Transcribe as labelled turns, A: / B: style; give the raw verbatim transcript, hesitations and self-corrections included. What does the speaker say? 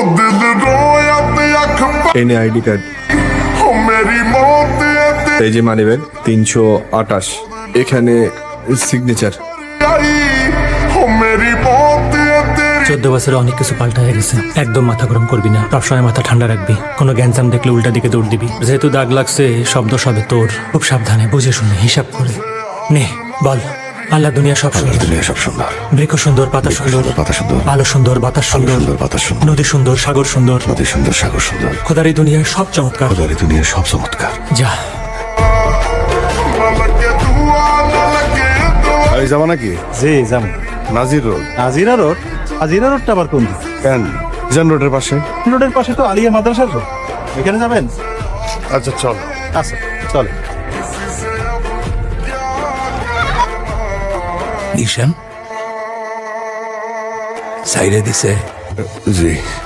A: এই নে ID card, এই যে মানিব্যাগ তিনশো আটাশ, এখানে সিগনেচার।
B: চোদ্দ বছরে অনেক কিছু পাল্টা হয়ে গেছে। একদম মাথা গরম করবি না, সবসময় মাথা ঠান্ডা রাখবি। কোনো গ্যাঞ্জাম দেখলে উল্টা দিকে দৌড় দিবি। যেহেতু দাগ লাগছে, শব্দ সবে তোর। খুব সাবধানে, বুঝে শুনে, হিসাব করে নে। বল, আল্লাহ দুনিয়া সব সুন্দর,
C: দুনিয়া সব সুন্দর,
B: বৃক্ষ সুন্দর, পাতা সুন্দর,
C: পাতা সুন্দর,
B: আলো সুন্দর, বাতাস সুন্দর,
C: সুন্দর বাতাস সুন্দর,
B: নদী সুন্দর, সাগর সুন্দর,
C: নদী সুন্দর, সাগর সুন্দর।
B: খোদার এই দুনিয়ার সব চমৎকার।
C: খোদার এই দুনিয়ার সব চমৎকার।
B: যা।
D: এই যাবা নাকি?
E: জি যাবো।
D: নাজির রোড।
E: আজিরা রোড? আজিরা রোডটা আবার কোন দিকে?
D: কেন জান রোডের পাশে?
E: রোডের পাশে তো আলিয়া মাদ্রাসার রোড, এখানে যাবেন?
D: আচ্ছা চল।
E: আচ্ছা চলে।
F: নিশান সাইরে দিছে।
C: জি